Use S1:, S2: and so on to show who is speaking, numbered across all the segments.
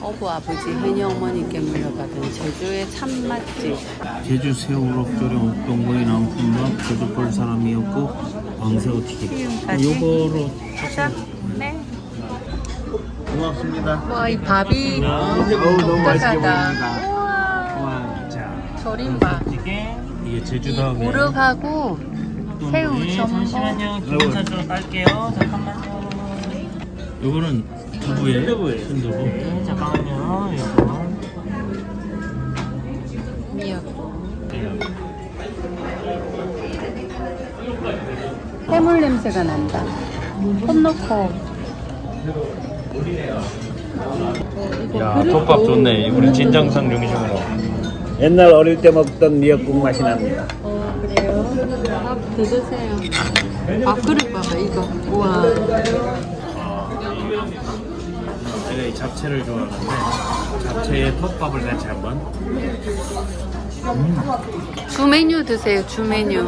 S1: 어부 아버지 혜니 어머니께 물려받은 제주의 참맛집.
S2: 제주 새우 우럭조림 옥동구이 나온 품밥 제주 볼 사람이었고 왕새우 튀김.
S1: 튀김까지?
S2: 요거로
S1: 자, 네.
S2: 고맙습니다.
S1: 와, 이 밥이
S2: 너무 맛있게
S1: 독특하다.
S2: 보입니다.
S1: 우와,
S2: 와, 자,
S1: 조림밥.
S2: 이게
S1: 이
S2: 제주다음에
S1: 우럭하고 새우 전복.
S2: 잠시만요. 기본차로 깔게요. 잠깐만요. 요거는 두부에 순두부. 잠깐만요. 요거.
S1: 미역국. 해물 냄새가 난다. 손 넣고.
S2: 야, 톱밥 좋네. 우리 진정성 중심으로.
S3: 옛날 어릴 때 먹던 미역국 맛이 납니다.
S1: 그래요? 밥 더 드세요. 밥그릇 봐봐, 이거. 우와.
S2: 제가 이 잡채를 좋아하는데 잡채에 톱밥을 같이 한번.
S1: 주 메뉴 드세요, 주 메뉴.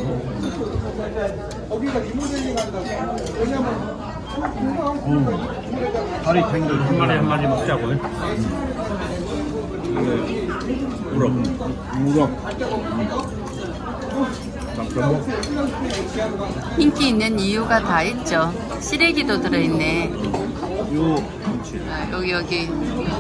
S2: 다리 탱글 한 마리 한 마리 먹자고요. 우럭.
S1: 인기 있는 이유가 다 있죠. 시래기도 들어있네. 아, 여기.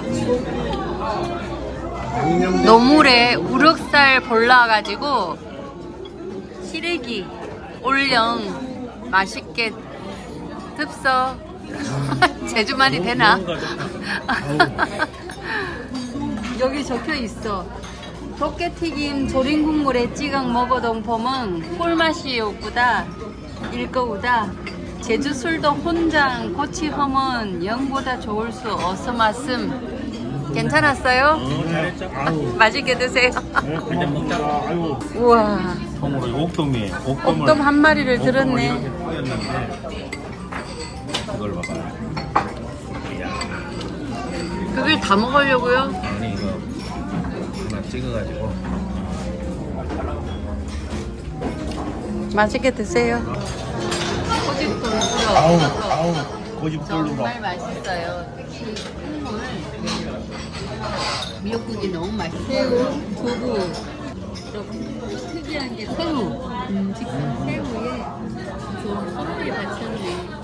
S1: 노물에 우럭살 볼라가지고 시래기 올영 맛있게 듭서. 제주말이 되나? 여기 적혀 있어. 도깨튀김 조림 국물에 찍어 먹어동 봄은 꿀맛이 오구다 일거우다. 제주 술도 혼장 고치 험은 영보다 좋을 수 어서 말씀. 괜찮았어요?
S2: 잘했죠?
S1: 맛있게 드세요.
S2: 그냥 먹자. 아이고.
S1: 우와,
S2: 통으로 옥돔이에요.
S1: 옥돔 한 마리를 들었네.
S2: 이렇게 뿌렸는데 이걸 봐봐. 이야.
S1: 그걸 다 먹으려고요?
S2: 아니 이거 하나 찍어가지고.
S1: 맛있게 드세요. 꼬집돈 풀어.
S2: 고집돌로.
S1: 정말 맛있어요. 특히 국물. 미역국이 너무 맛있어요. 새우, 두부. 또 특이한 게 새우. 직접 새우에 좀 소금이 받쳤네.